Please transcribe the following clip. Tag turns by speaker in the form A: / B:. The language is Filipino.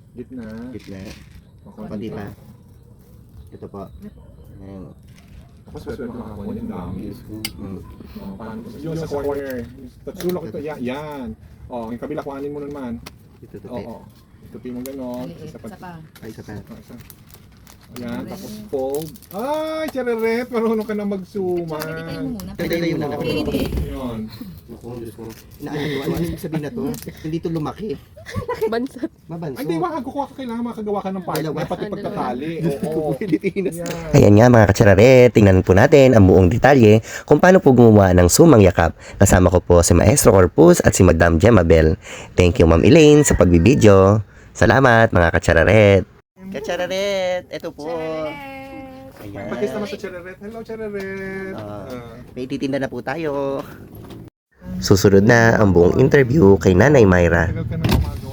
A: Gitna.
B: Gitna.
A: Okay.
B: Konti pa. Ito po. Ayan.
A: Tapos pwede makakuha yung dami.
B: Mm.
A: Paano? Yung sa corner. Sulok ito. Yan. Oh, yung kabila kuhanin mo naman.
B: Ito to.
A: Oo. Tupi mo gano'n.
C: Maliit. Isa pa.
B: Ay, isa pa.
A: Isa. Ayan, tapos fold. Ay, chareret! Marunong ka na magsuman.
C: Pipilitin mo muna.
B: Pipilitin mo muna.
A: Yun.
B: Naku, Diyos ko. Ano yung sabihin na to? Hindi to lumaki.
D: Bansat.
B: Mabanso.
A: Ay, di ba? Kukuha ka kailangan makagawa ka ng partner. Pati pagtatali. Oo.
B: Pilipinas.
A: Yan.
E: Ayan nga mga katsarare, tingnan po natin ang buong detalye kung paano po gumawa ng sumang yakap. Kasama ko po si Maestro Corpus at si Madam Gemma Bell. Thank you Ma'am Elaine sa pagbibideo. Salamat mga katsararet. Katsararet, ito po. Ayan.
A: Pakis naman sa chareret. Hello, chareret.
E: May titinda na po tayo. Susunod na ang buong interview kay Nanay Myra.
A: Tagal ka na gumagawa.